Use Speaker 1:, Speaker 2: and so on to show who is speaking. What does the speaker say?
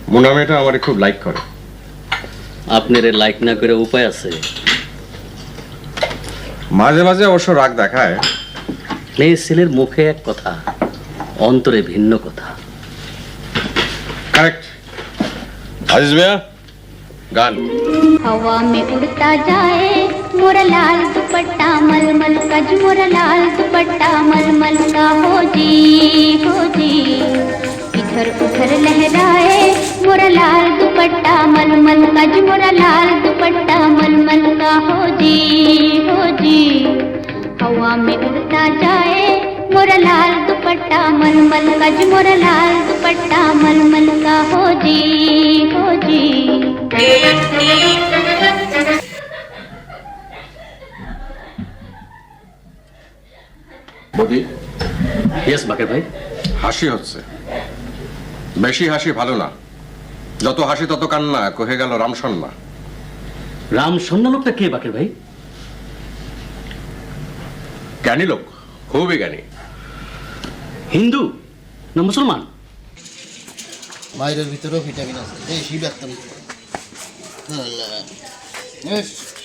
Speaker 1: মোনা মেয়েটা আমার খুব লাইক করে।
Speaker 2: আপনার লাইক না করে উপায় আছে?
Speaker 1: মাঝে মাঝে অবশ্য রাগ দেখায়।
Speaker 2: এই ছেলের মুখে এক কথা, অন্তরে ভিন্ন কথা।
Speaker 1: কারেক্ট। আজিজ ভাইয়া গান।
Speaker 3: हवा में उड़ता जाए मोरा लाल दुपट्टा मलमल का जो मोरा लाल दुपट्टा मलमल का हो जी इधर उधर लहराए मोरा लाल दुपट्टा मलमल का जो मोरा लाल दुपट्टा मलमल का हो जी हवा में उड़ता जाए मोरा लाल दुपट्टा मलमल का जो मोरा लाल दुपट्टा मलमल का हो जी
Speaker 1: বদি,
Speaker 2: ইয়েস বাকের ভাই।
Speaker 1: হাসি হচ্ছে, বেশি হাসি ভালো না। যত হাসি তত কান্না, কহে গেল রামসন্না।
Speaker 2: রাম সন্না লোকটা কে বাকের ভাই?
Speaker 1: জ্ঞানী লোক, খুবই জ্ঞানী।
Speaker 2: হিন্দু না মুসলমান?
Speaker 4: বাইরের ভিতরেও ভিটামিন আছে, এই শিব একদম